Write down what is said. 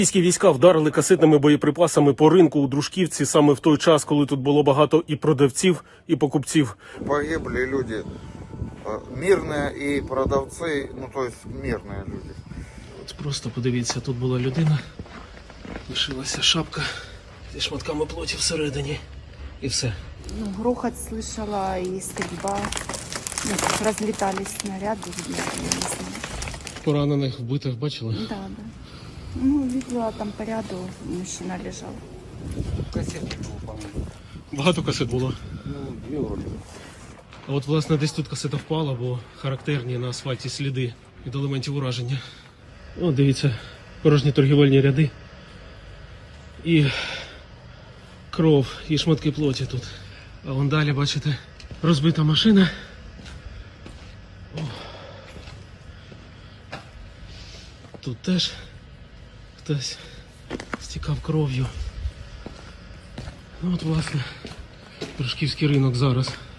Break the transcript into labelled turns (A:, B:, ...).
A: Російські війська вдарили касетними боєприпасами по ринку у Дружківці саме в той час, коли тут було багато і продавців, і покупців.
B: Погибли люди, мирні і продавці, ну то есть мирні люди.
A: От просто подивіться, тут була людина, лишилася шапка зі шматками плоті всередині і все.
C: Ну, грохот слышала и стрельба. Ну, разлетались снаряды, видно, я не знаю.
A: Поранених, вбитих бачили?
C: Да, да. Ну, видела там по ряду, мужчина лежал.
A: Багато касет було.
D: Ну, дві вроді.
A: А от, власне, десь тут касета впала, бо характерні на асфальті сліди від елементів ураження. О, дивіться, порожні торгівельні ряди. І кров, і шматки плоті тут. А вон далі, бачите, розбита машина. О. Тут теж хтось стікав кров'ю. Ну от, власне, Дружківський ринок зараз.